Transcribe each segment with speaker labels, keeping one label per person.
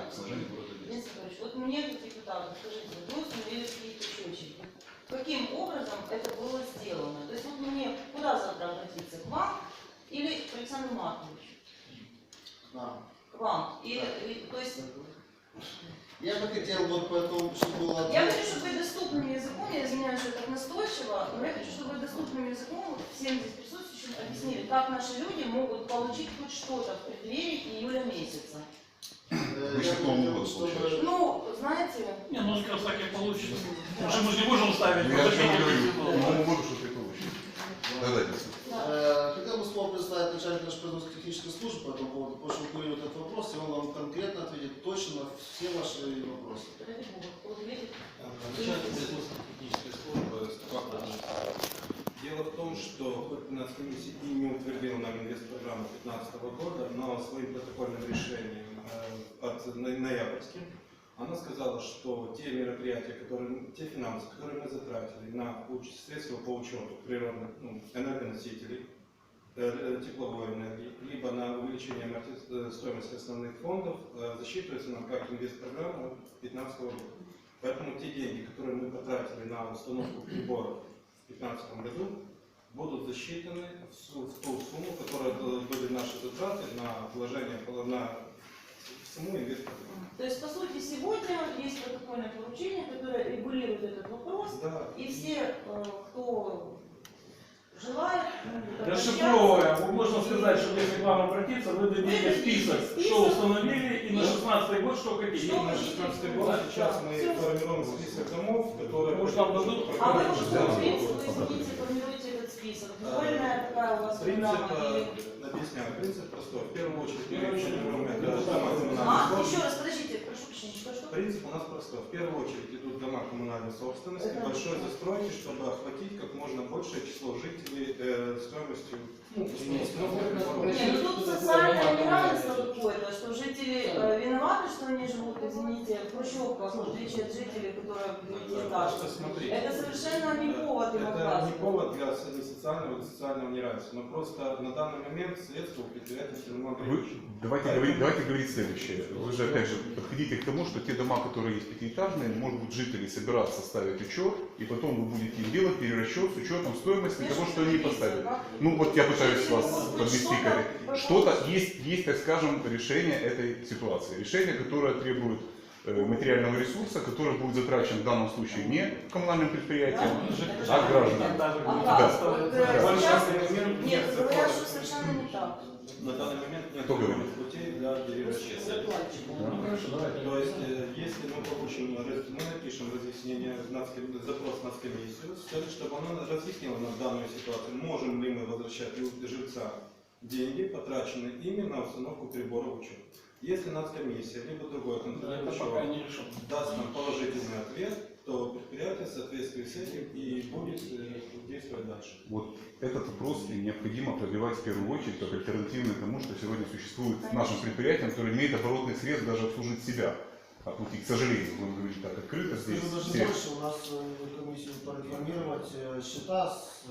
Speaker 1: к снижению города Одессы.
Speaker 2: Вот мне как депутату, скажите, вы установили какие-то счетчики. Каким образом это было сделано? То есть вот мне куда завтра обратиться? К вам или к Александру Марковичу? К вам. То есть...
Speaker 3: Я бы хотел вот потом, чтобы было...
Speaker 2: Я хочу, чтобы вы доступным языком, я извиняюсь, что так настойчиво, но я хочу, чтобы вы доступным языком всем здесь присутствующим объяснили, как наши люди могут получить хоть что-то в преддверии июля месяца. Ну, знаете...
Speaker 4: Не, ну как раз так и получится. Потому что мы же не можем ставить...
Speaker 1: Я же не говорю, Новому году что-то и получится.
Speaker 3: Хотел бы снова представить начальника нашей производственной технической службы по этому поводу, потому что он курирует этот вопрос, и он вам конкретно ответит точно на все ваши вопросы.
Speaker 5: Начальник производственной технической службы Степан Кузнецов. Дело в том, что хоть Нацкомиссия и не утвердила нам инвестпрограмму 2015 года, но своим протокольным решением от ноябрьским она сказала, что те мероприятия, те финансы, которые мы затратили на средства по учету природных энергоносителей, тепловой энергии, либо на увеличение стоимости основных фондов, засчитываются нам как инвестпрограмма 2015 года. Поэтому те деньги, которые мы потратили на установку приборов в 2015 году, будут засчитаны в ту сумму, которая были наши затраты на вложение на саму инвестпрограмму.
Speaker 2: То есть, по сути, сегодня есть протокольное поручение, которое регулирует этот вопрос,
Speaker 5: Да.
Speaker 2: И все, кто желает...
Speaker 4: Расшифровывая, можно сказать, что если к вам обратиться, вы дадите список, что установили, и на 16 год, что какие.
Speaker 5: И на 16 год сейчас мы формируем список домов, которые...
Speaker 4: Может, нам дадут?
Speaker 2: А вы по какому принципу, извините, формируете этот список? Вольная такая у вас программа?
Speaker 5: Объясняю, принцип простой. В первую очередь, мы формируем это дома коммунальной
Speaker 2: Еще
Speaker 5: собственности.
Speaker 2: раз, подождите, прошу прощения, что?
Speaker 5: Принцип у нас простой. В первую очередь идут дома коммунальной собственности, большой застройки, чтобы охватить как можно большее число жителей стоимостью.
Speaker 2: Нет, ну тут социальное неравенство какое-то, что жители виноваты, что они живут, извините, в хрущевках, в отличие от жителей, которые в девятиэтажках. Это совершенно не повод им
Speaker 5: Это
Speaker 2: отказывать.
Speaker 5: не повод для социального неравенства, но просто на данный момент средства у предприятия все равно ограничены.
Speaker 1: Давайте говорить следующее. Вы же опять же подходите к тому, что те дома, которые есть пятиэтажные, может быть, жители собираться ставить учет, и потом вы будете им делать перерасчет с учетом стоимости того, что они поставили. Ну вот я пытаюсь вас подвести к что-то есть, так скажем, решение этой ситуации. Решение, которое требует материального ресурса, который будет затрачен в данном случае не коммунальным предприятием, а гражданам.
Speaker 2: Нет, говорят, что совершенно не так.
Speaker 5: На данный момент нет путей для перерасчета. То есть, если мы получим, мы напишем разъяснение, запрос на комиссию, чтобы она разъяснила нам данную ситуацию, можем ли мы возвращать жильцам деньги, потраченные ими на установку прибора учета. Если нацкомиссия, либо другой контролер даст нам положительный ответ, то предприятие в соответствии с этим и будет действовать дальше.
Speaker 1: Вот этот вопрос необходимо пробивать в первую очередь как альтернативный тому, что сегодня существует нашим предприятиям, которые имеют оборотных средств даже обслужить себя. И, к сожалению, будем говорить так открыто здесь.
Speaker 3: Даже больше у нас комиссию проинформировать счета с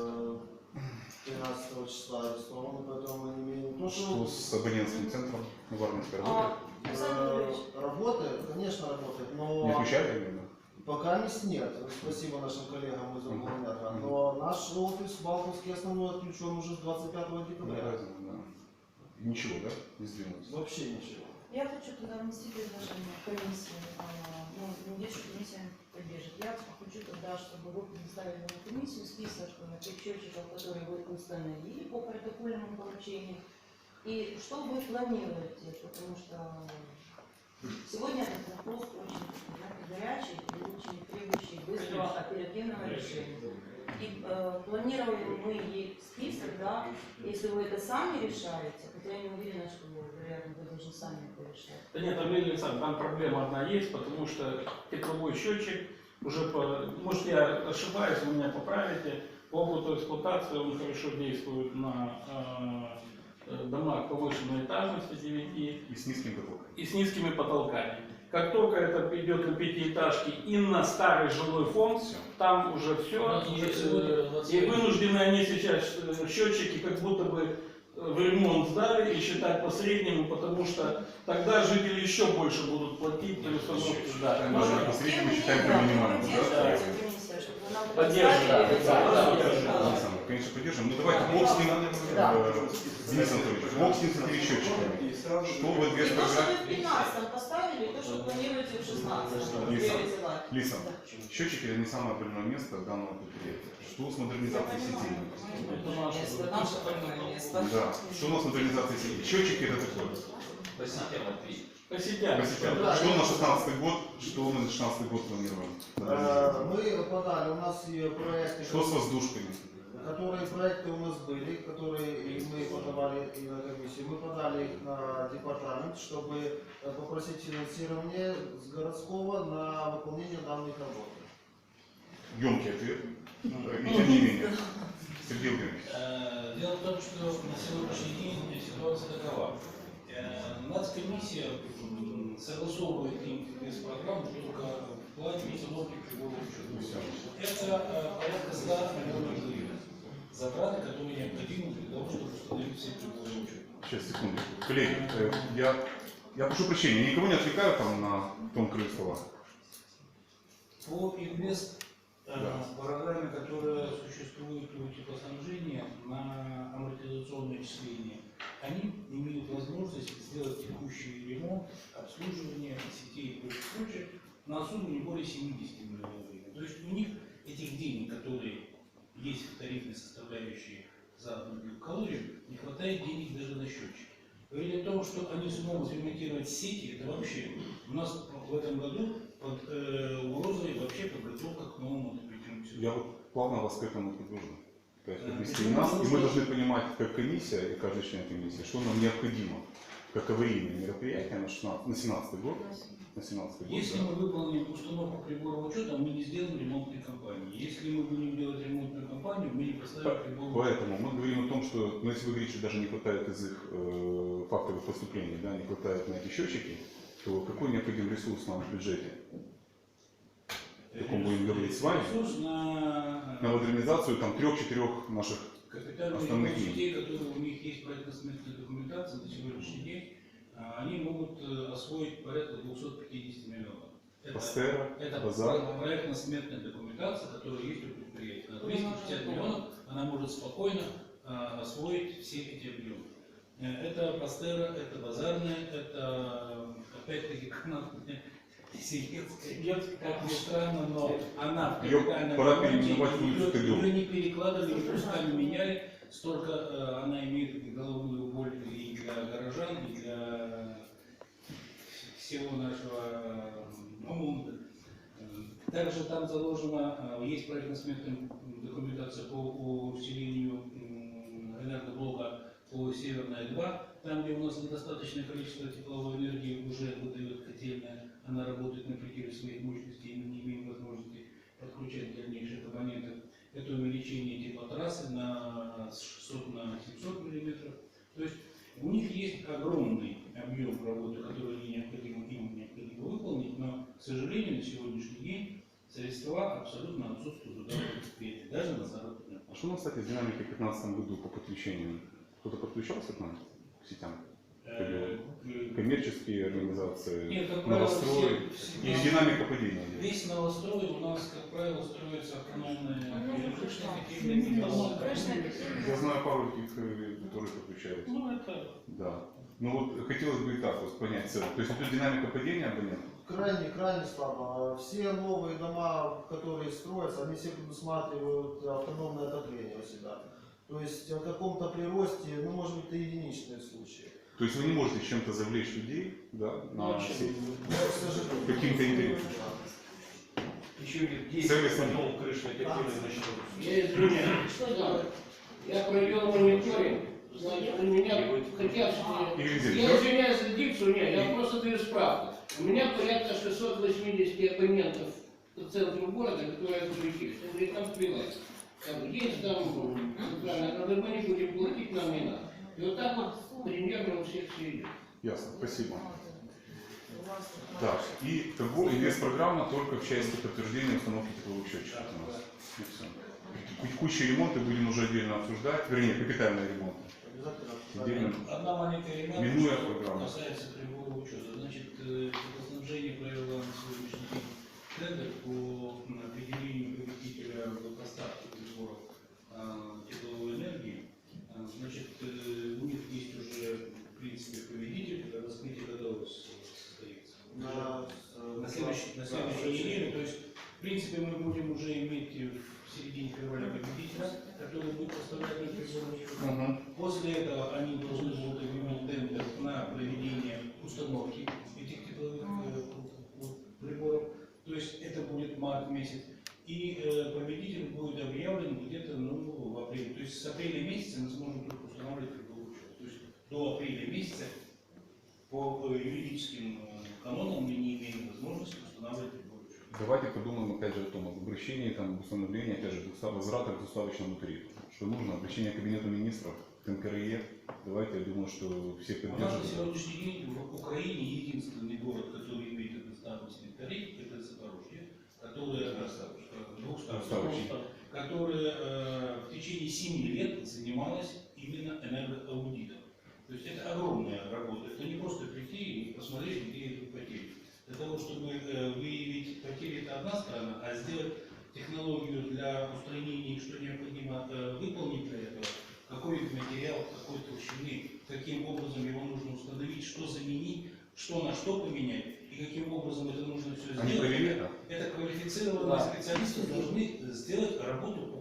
Speaker 3: 13 числа арестованы, поэтому мы не имеем...
Speaker 1: Что с абонентским центром на Варнинской работает?
Speaker 3: Работает, конечно, работает, но...
Speaker 1: Не включали именно?
Speaker 3: Пока нет. Спасибо нашим коллегам из Облэнерго. Но наш офис Балтовский основной отключен уже с 25 декабря.
Speaker 1: Ничего, да? Не сдвинулось?
Speaker 3: Вообще ничего.
Speaker 2: Я хочу туда внести предложение комиссии. Надеюсь, что комиссия поддержит. Я хочу тогда, чтобы вы предоставили на комиссию список тех счетчиков, которые вы установили по протокольному поручению. И что вы планируете, потому что сегодня этот вопрос очень горячий и очень требующий быстрого оперативного решения. И планируем мы ей список, да, если вы это сами решаете, хотя я не уверена, что вероятно, вы должны сами это решать.
Speaker 4: Да нет, Александр, там проблема одна есть, потому что тепловой счетчик уже, может я ошибаюсь, вы меня поправите, по опыту эксплуатации он хорошо действует на домах повышенной этажности 9
Speaker 1: и с низким потолком.
Speaker 4: И с низкими потолками. Как только это идет на пятиэтажки и на старый жилой фонд, там уже все. И вынуждены они сейчас счетчики как будто бы в ремонт сдали и считать по среднему, потому что тогда жители еще больше будут платить при установке. Да,
Speaker 1: Можно по среднему считаем по минимуму, да?
Speaker 4: Поддерживаем.
Speaker 1: Конечно, поддержим. Ну давайте бог с ним, Денис Анатольевич, бог с ним с этими счетчиками.
Speaker 5: И сразу
Speaker 1: Что вы две
Speaker 2: И то, что вы в
Speaker 1: программы...
Speaker 2: 15 поставили, и то, что планируете в 16, чтобы
Speaker 1: Лиса,
Speaker 2: реализовать.
Speaker 1: Лиса, счетчики это не самое больное место данного предприятия. Что с модернизацией сетей?
Speaker 2: Это наше больное место.
Speaker 1: Да. Что у нас с модернизацией сетей? Счетчики это такое.
Speaker 4: По сетям.
Speaker 1: Что на 16 год, что мы на 16 год планируем?
Speaker 3: Мы подали, у нас и проекты,
Speaker 1: Что с воздушками?
Speaker 3: которые проекты у нас были, которые и мы подавали и на комиссию. Мы подали их на департамент, чтобы попросить финансирование с городского на выполнение данных работ.
Speaker 1: Емкий ответ. И тем не менее. Сергей Владимирович.
Speaker 6: Дело в том, что на сегодняшний день ситуация такова. Нацкомиссия согласовывает программу только в плане установки приборов учета. Это порядка 100 миллионов гривен. Затраты, которые необходимы для того, чтобы установить все приборы учета.
Speaker 1: Сейчас, секунду. Коллеги, я прошу прощения, я никого не отвлекаю там на том краю стола.
Speaker 6: По инвест
Speaker 1: Да.
Speaker 6: программе, которая существует у теплоснабжения на амортизационное числение, они имеют возможность сделать текущий ремонт, обслуживание сетей и прочих на сумму не более 70 миллионов гривен. То есть у них этих денег, которые есть в тарифной составляющей за одну килокалорию, не хватает денег даже на счетчики. Говорили о том, что они смогут ремонтировать сети, это вообще у нас в этом году под угрозой вообще подготовка к новому отопительному сезону.
Speaker 1: Я вот плавно вас к этому подвожу. То есть подвести нас, и мы должны понимать, как комиссия и каждый член комиссии, что нам необходимо, как аварийные мероприятия на 17 год. На 17 год.
Speaker 6: Если
Speaker 1: Да.
Speaker 6: мы выполним установку прибора учета, мы не сделаем ремонтной кампании. Если мы будем делать ремонтную кампанию, мы не поставим прибор.
Speaker 1: Поэтому мы говорим о том, что, ну, если вы говорите, что даже не хватает из их фактовых поступлений, да, не хватает на эти счетчики, то какой необходим ресурс нам в бюджете? О каком будем говорить с вами?
Speaker 6: Ресурс на
Speaker 1: На модернизацию там 3-4 наших
Speaker 6: капитальные
Speaker 1: основных
Speaker 6: ремонт
Speaker 1: линий.
Speaker 6: сетей, которые у них есть проектно-сметная документация на сегодняшний день, они могут освоить порядка 250 миллионов.
Speaker 1: Пастера,
Speaker 6: Это
Speaker 1: базар.
Speaker 6: проектно-сметная документация, которая есть у предприятия. На 250 миллионов она может спокойно освоить все эти объемы. Это Пастера, это базарная, это опять-таки канатная, Сиетская, как ни странно, но она в
Speaker 1: Её
Speaker 6: капитальном
Speaker 1: пора
Speaker 6: ремонте,
Speaker 1: переименовать в улицу Тыгру.
Speaker 6: ее не перекладывали, не пусками меняли, столько она имеет головную боль и для горожан, и для всего нашего ремонта. Также там заложена, есть проектно-сметная документация по усилению энергоблока по Северная 2, там, где у нас недостаточное количество тепловой энергии уже выдает котельная, она работает на пределе своих мощностей, и мы не имеем возможности подключать дальнейших абонентов. Это увеличение теплотрассы на 600 на 700 миллиметров. То есть у них есть огромный объем работы, который им необходимо выполнить, но, к сожалению, на сегодняшний день средства абсолютно отсутствуют у данного предприятия, даже на заработную.
Speaker 1: А что у нас, кстати, с динамикой в 2015 году по подключению? Кто-то подключался к нам, к сетям? Коммерческие организации,
Speaker 6: Нет, как правило,
Speaker 1: новострой
Speaker 6: все-
Speaker 1: и динамика падения.
Speaker 6: Весь новострой у нас, как правило, строится автономная крышная
Speaker 1: Я знаю пару таких, которые подключаются.
Speaker 6: Ну, это
Speaker 1: Да. Ну вот хотелось бы и так вот понять цель. То есть это динамика падения абонентов?
Speaker 3: Крайне слабо. Все новые дома, которые строятся, они все предусматривают автономное отопление у себя. То есть о каком-то приросте, ну, может быть, это единичные случаи.
Speaker 1: То есть вы не можете чем-то завлечь людей, да, на сеть?
Speaker 3: Но, к сожалению.
Speaker 1: Каким-то интересом.
Speaker 7: Еще лет 10,
Speaker 1: Сервис
Speaker 7: потом крышная эффективность начнется.
Speaker 8: Я извиняюсь.
Speaker 2: Что делать?
Speaker 8: Я провел мониторинг. Значит, у меня хотят...
Speaker 1: Или где?
Speaker 8: Я извиняюсь за дикцию, нет, я просто даю справку. У меня порядка 680 абонентов по центру города, которые отключились. Я говорю, там плевать. Там есть, там, правильно, когда мы не будем платить, нам не надо. И вот так вот примерно у всех все идет.
Speaker 1: Ясно, спасибо. Да, и инвест-программа только в части подтверждения установки тепловых счетчиков у нас. И все. Текущие ремонты будем уже отдельно обсуждать, вернее, капитальные ремонты.
Speaker 3: обязательно
Speaker 1: Отдельно.
Speaker 6: Одна маленькая ремарка,
Speaker 1: Минуя
Speaker 6: что
Speaker 1: программу.
Speaker 6: касается прибора учета. Значит, теплоснабжение провело на сегодняшний день тендер по определению победителя в поставке приборов тепловой энергии. Значит, у них есть уже, в принципе, победитель, раскрытие годов состоится. На следующей неделе, то есть, в принципе, мы будем уже иметь в середине февраля победителя, который будет поставлять на приборы. После этого они должны будут объявить тендер на проведение установки этих тепловых приборов. То есть это будет март месяц. И победитель будет объявлен где-то в апреле. То есть с апреля месяца мы сможем только устанавливать приборы учета. То есть до апреля месяца по юридическим канонам мы не имеем возможности устанавливать приборы учета.
Speaker 1: Давайте подумаем опять же о том, об обращении, там, установлении, опять же, возврата к двуставочному тарифу. Что нужно? Обращение к Кабинету министров, к НКРЕ. Давайте, я думаю, что все
Speaker 6: У нас на
Speaker 1: поддержат.
Speaker 6: сегодняшний день в Украине единственный город, который имеет одноставочный тариф, это Запорожье, которое двухставочный, которое в течение 7 лет занималось именно энергоаудитом. То есть это огромная работа. Это не просто прийти и посмотреть, где идут потери. Для того, чтобы выявить потери, это одна сторона, а сделать технологию для устранения, что необходимо выполнить для этого, какой материал, какой толщины, каким образом его нужно установить, что заменить, что на что поменять и каким образом это нужно все
Speaker 1: Они
Speaker 6: сделать.
Speaker 1: провели это?
Speaker 6: Это квалифицированные специалисты должны сделать работу по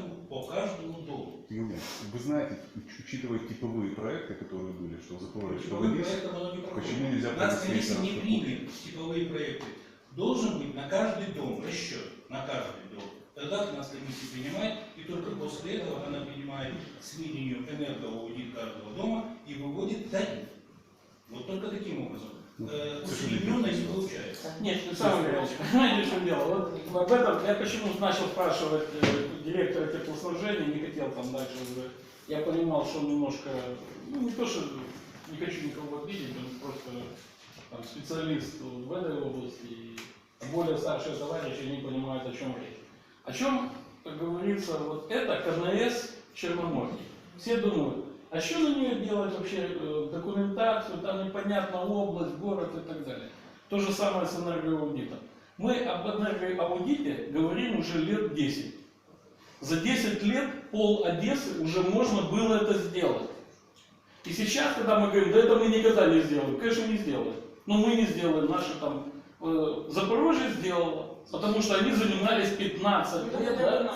Speaker 6: каждому дому.
Speaker 1: Юлия, вы знаете, учитывая типовые проекты, которые были, что в Запорожье, что
Speaker 6: Типовым
Speaker 1: в Одессе,
Speaker 6: проектом оно не проходит.
Speaker 1: почему нельзя
Speaker 6: Нацкомиссия
Speaker 1: провести
Speaker 6: не
Speaker 1: это?
Speaker 6: примет типовые проекты. Должен быть на каждый дом расчет, на каждый дом. Тогда Нацкомиссия принимает, и только после этого она принимает к сведению энергоаудит каждого дома и выводит тариф. Вот только таким образом. Усредненно не получается.
Speaker 4: Нет, Александр Ильич, понимаете, в чем дело? Вот об этом я почему начал спрашивать директора теплоснабжения, не хотел там дальше уже. Я понимал, что он немножко, ну не то, что не хочу никого обидеть, он просто там, специалист в этой области, и более старшие товарищи не понимают, о чем речь. О чем, как говорится, вот это КНС Черноморье. Все думают, а что на нее делать вообще документацию, там непонятно область, город и так далее. То же самое с энергоаудитом. Мы об энергоаудите говорим уже лет 10. За 10 лет пол Одессы уже можно было это сделать. И сейчас, когда мы говорим, да это мы никогда не сделаем, конечно не сделаем. Но мы не сделаем, наши там Запорожье сделало, потому что они занимались 15 лет, да?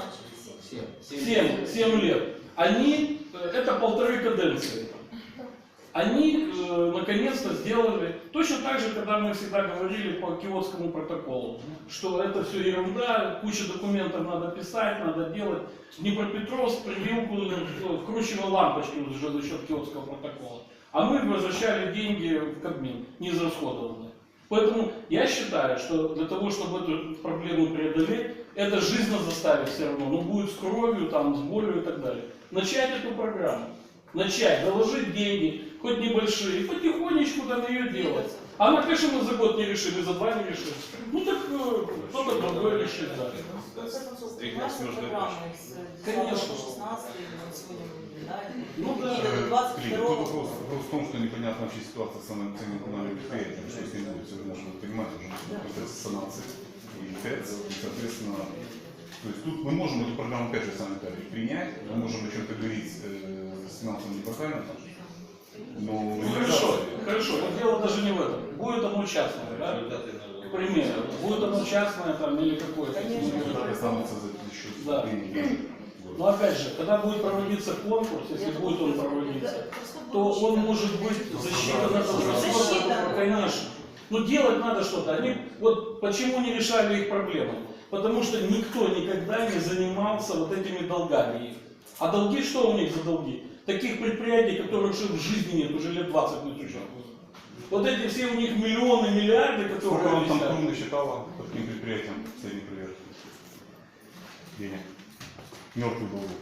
Speaker 4: 7 лет. Они, это 1,5 каденции. Они наконец-то сделали, точно так же, когда мы всегда говорили по Киотскому протоколу, что это все ерунда, куча документов надо писать, надо делать. Днепропетровск привил, вкручивал лампочки уже за счет Киотского протокола. А мы возвращали деньги в Кабмин, неизрасходованные. Поэтому я считаю, что для того, чтобы эту проблему преодолеть, это жизненно заставит все равно, но будет с кровью, там, с болью и так далее. Начать эту программу, начать, заложить деньги, хоть небольшие, и потихонечку там ее делать. Она, конечно, мы за год не решим, и за 2 не решим. Ну так кто-то другой решит, да.
Speaker 2: В конце концов, принимаются программы с
Speaker 4: Конечно.
Speaker 2: 16 сегодня мы наблюдаем.
Speaker 4: Ну да.
Speaker 2: И до
Speaker 1: Клим,
Speaker 2: 22
Speaker 1: тут вопрос в том, что непонятна вообще ситуация с самым ценным коммунальным предприятием, что с ним будет сегодня, чтобы понимать уже процесс санации и ТЭЦ, и, соответственно, то есть тут мы можем эту программу, опять же, сами принять, мы можем о чем-то говорить с финансовым департаментом, но
Speaker 4: Хорошо, но дело даже не в этом. Будет оно частное, да? К примеру, будет оно частное там или какое-то.
Speaker 1: это останутся за счет
Speaker 4: Да.
Speaker 1: денег.
Speaker 4: Но опять же, когда будет проводиться конкурс, если будет он проводиться, то он может быть засчитан этот расход, конечно. Но делать надо что-то. Они, вот почему не решали их проблемы? Потому что никто никогда не занимался вот этими долгами. А долги, что у них за долги? Таких предприятий, которых уже в жизни нет, уже лет 20 не существует. Вот эти все у них миллионы, миллиарды, которые
Speaker 1: Сколько вам там
Speaker 4: висят.
Speaker 1: Крум насчитала по таким предприятиям средней проверки? Денег. Мертвых долгов.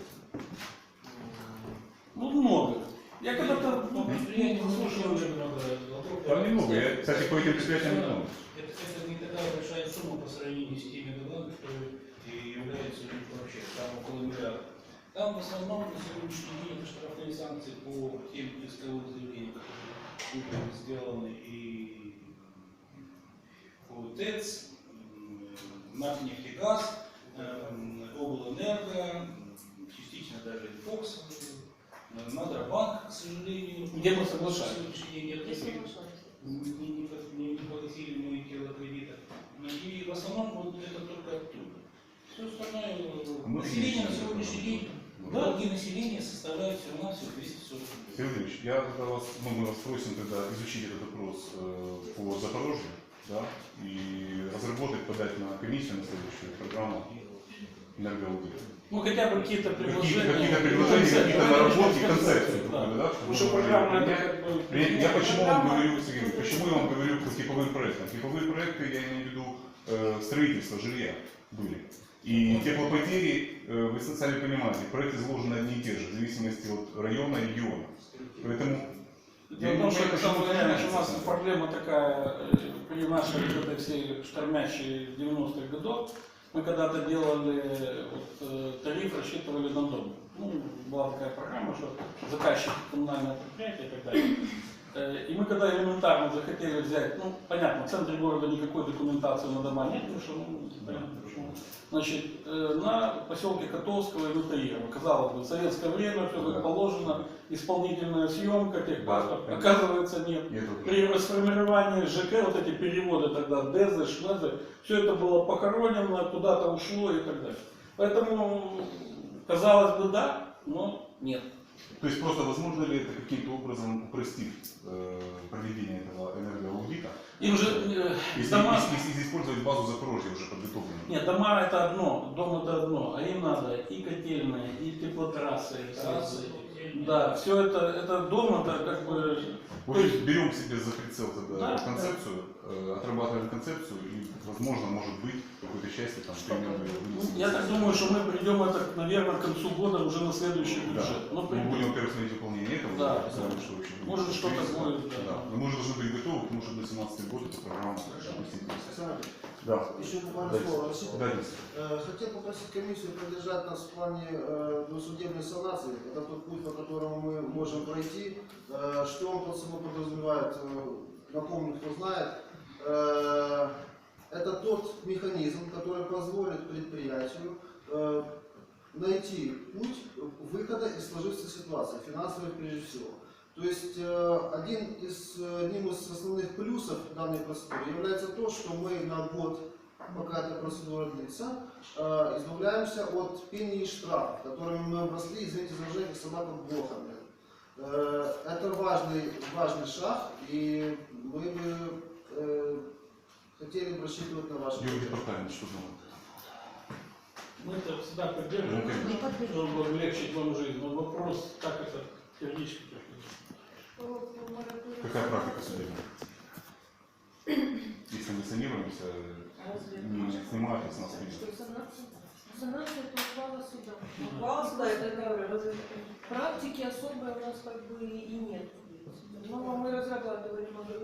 Speaker 4: Ну, много. Я когда-то...
Speaker 6: Предприятия слушали уже много вопросов.
Speaker 1: Там немного. Я, кстати, по этим предприятиям не знаю.
Speaker 6: Это не такая большая сумма по сравнению с теми долгами, которые являются вообще там около миллиарда. Там в основном на сегодняшний день штрафные санкции по тем исковым заявлениям, которые были сделаны и по ТЭЦ, «Нефтегаз», «Облэнерго», частично даже «Инфокс», «Надробанк», к сожалению.
Speaker 4: Где мы соглашались.
Speaker 6: На сегодняшний день нет
Speaker 2: Я
Speaker 6: таких.
Speaker 2: соглашаюсь.
Speaker 6: Не погасили мои тело кредита. И в основном вот это только оттуда. Все остальное население на сегодняшний день, долги населения составляют всего-навсего 240 рублей.
Speaker 1: Сергей Ильич, я тогда вас, мы вас просим тогда изучить этот вопрос по Запорожью, да, и разработать, подать на комиссию на следующую программу энергоаудита.
Speaker 4: Ну, хотя бы какие-то предложения.
Speaker 1: Какие-то предложения, какие-то наработки, концепцию
Speaker 4: Да.
Speaker 1: какую-то, да?
Speaker 4: Потому что программа это как бы...
Speaker 1: Я почему вам говорю, Сергей, почему я вам говорю по типовым проектам? Типовые проекты, я имею в виду строительство жилья были. И теплопотери, вы сами понимаете, проекты изложены одни и те же, в зависимости от района и региона. Поэтому
Speaker 4: Дело в том, что у нас проблема такая, при нашей вот этой всей штормящей 90-х годов, мы когда-то делали тариф, рассчитывали на дом. Ну, была такая программа, что заказчик коммунального предприятия и так далее. И мы когда элементарно захотели взять, ну, понятно, в центре города никакой документации на дома нет, потому что, ну, понятно почему. Значит, на поселке Котовского и Лутаирова. Казалось бы, в советское время все как положено, исполнительная съемка, техпаспорт. Оказывается, нет. При расформировании ЖК, вот эти переводы тогда, ДЭЗы, ШЛЭЗы, все это было похоронено, куда-то ушло и так далее. Поэтому, казалось бы, да, но нет.
Speaker 1: То есть просто возможно ли это каким-то образом упростить проведение этого энергоаудита?
Speaker 4: Им же
Speaker 1: Если,
Speaker 4: дома...
Speaker 1: если использовать базу Запорожья уже подготовленную.
Speaker 4: Нет, дома это одно, дом это одно, а им надо и котельные, и теплотрассы, да, все это дом, это как бы...
Speaker 1: В общем, берем себе за прицел тогда
Speaker 4: Да,
Speaker 1: концепцию, отрабатываем концепцию и, возможно, может быть, в какой-то части там примем ее.
Speaker 4: Я так думаю, что мы придем это, наверное, к концу года уже на следующий
Speaker 1: Да.
Speaker 4: бюджет. Но
Speaker 1: Мы
Speaker 4: придем.
Speaker 1: будем, во-первых, смотреть выполнение этого,
Speaker 4: Да,
Speaker 1: потому
Speaker 4: да.
Speaker 1: что вообще будет
Speaker 4: Может, что-то
Speaker 1: кризис,
Speaker 4: будет,
Speaker 1: да.
Speaker 4: да.
Speaker 1: Но мы уже должны быть готовы, потому что до 2017 года эта программа запустится.
Speaker 3: Александр,
Speaker 1: Да.
Speaker 3: еще буквально
Speaker 1: Дайте.
Speaker 3: слово. Расчет.
Speaker 1: Да, Денис.
Speaker 3: Хотел попросить комиссию поддержать нас в плане судебной санации. Это тот путь, по которому мы можем пройти. Что он под собой подразумевает, напомню, кто знает. Это тот механизм, который позволит предприятию найти путь выхода из сложившейся ситуации, финансовой прежде всего. То есть одним из основных плюсов данной процедуры является то, что мы на год, пока эта процедура длится, избавляемся от пени и штрафов, которыми мы обросли, извините за выражение, собака блохами. Это важный шаг, и мы бы хотели бы рассчитывать на ваши
Speaker 1: Юрий
Speaker 3: поддержку.
Speaker 1: Департамент, что думает?
Speaker 4: Мы это всегда поддерживаем, чтобы облегчить вам жизнь. Но вопрос, как это юридически.
Speaker 1: Какая практика судебная? Если мы санируемся, не снимают с нас видео.
Speaker 2: Санация это ухвала суда.
Speaker 9: Ухвала суда, это
Speaker 2: говорю. Практики особой у нас как бы и нет. Но мы разрабатывали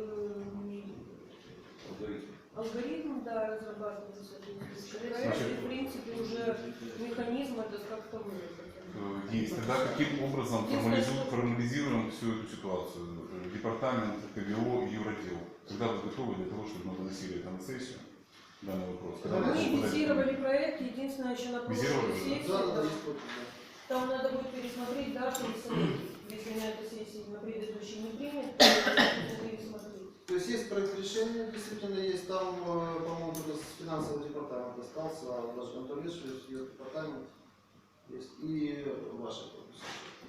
Speaker 2: алгоритм, да, разрабатывали соответствующий. В принципе, уже механизм этот как-то выработан.
Speaker 1: Есть. Тогда каким образом формализируем всю эту ситуацию? Департамент, КГО и Юротдел. Когда вы готовы для того, чтобы мы выносили это на сессию? Данный вопрос. Когда вы
Speaker 2: Мы
Speaker 1: готовы подать-
Speaker 2: визировали проект, единственное, еще на прошлой
Speaker 1: Визировали, да?
Speaker 2: сессии.
Speaker 3: Да, есть подпись, да.
Speaker 2: Там надо будет пересмотреть дату и сроки. Если на этой сессии на предыдущей не принят, то надо пересмотреть.
Speaker 3: То есть есть проект решения, действительно есть, там, по-моему, только с финансового департамента остался, а даже контролирующий есть департамент, есть и ваша подпись.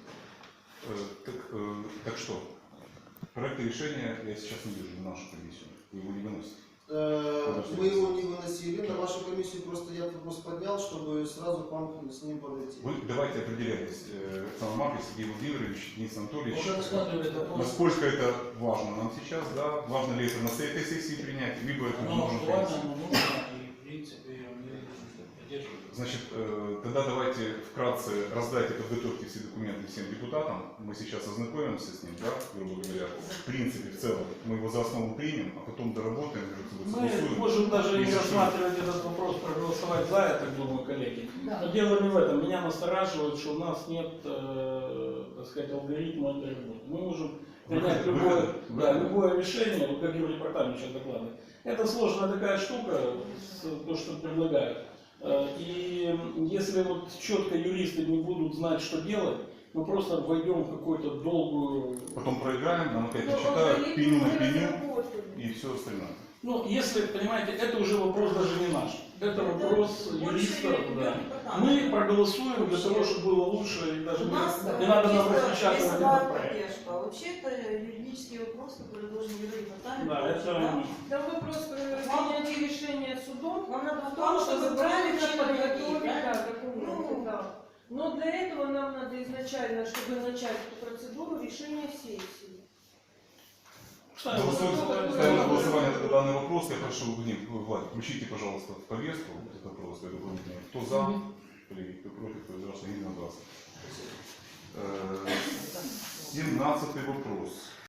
Speaker 1: Так что? Проект решения я сейчас не вижу на нашу комиссию. Вы его не выносите.
Speaker 3: Мы его не выносили, на вашу комиссию просто я вопрос поднял, чтобы сразу к вам с ним подойти.
Speaker 1: Вы давайте определяйтесь. Александр Маркович, Сергей Владимирович, Денис Анатольевич.
Speaker 6: Уже рассматривали этот вопрос.
Speaker 1: Насколько это важно нам сейчас, да? Важно ли это на этой сессии принять, либо это мы
Speaker 6: Оно
Speaker 1: можем
Speaker 6: актуально,
Speaker 1: принять.
Speaker 6: оно нужно, и в принципе мы поддержку.
Speaker 1: Значит, тогда давайте вкратце раздайте, подготовьте все документы всем депутатам. Мы сейчас ознакомимся с ним, да, грубо говоря. В принципе, в целом, мы его за основу примем, а потом доработаем,
Speaker 4: Мы
Speaker 1: согласуем.
Speaker 4: можем даже не
Speaker 1: Если
Speaker 4: рассматривать этот вопрос, проголосовать за, я так думаю, коллеги.
Speaker 2: Да.
Speaker 4: Но дело не в этом. Меня настораживает, что у нас нет, так сказать, алгоритма этой работы. Мы можем принять любое решение, вот как Европартамент сейчас докладывает. Это сложная такая штука, то, что предлагают. И если вот четко юристы не будут знать, что делать, мы просто войдем в какую-то долгую...
Speaker 1: Потом проиграем, нам опять
Speaker 9: Но
Speaker 1: почитают,
Speaker 9: алгоритм
Speaker 1: пеню на
Speaker 9: мы
Speaker 1: пеню
Speaker 9: разработали.
Speaker 1: и все остальное.
Speaker 4: Ну, если, понимаете, это уже вопрос даже не наш. Это вопрос юристов. Да. Мы проголосуем для того, чтобы было лучше, и даже
Speaker 2: У нас
Speaker 4: не надо нам
Speaker 2: чисто
Speaker 4: распечатывать
Speaker 2: весовая
Speaker 4: этот проект.
Speaker 2: поддержка. А вообще это юридический вопрос, который должен Европартамент.
Speaker 4: Да, это...
Speaker 9: Там вопрос принятия решения судом
Speaker 2: Вам надо
Speaker 9: в том, чтобы правильно подготовить
Speaker 2: правильно?
Speaker 9: документы.
Speaker 2: Ну,
Speaker 9: Да. Но для этого нам надо изначально, чтобы начать эту процедуру, решение сессии.
Speaker 4: Ставим
Speaker 1: Ставим на голосование данный вопрос. Я прошу, Владик, включите, пожалуйста, в повестку этот вопрос. Кто за, коллеги, кто против, кто воздержался, единогласно. 17 вопрос.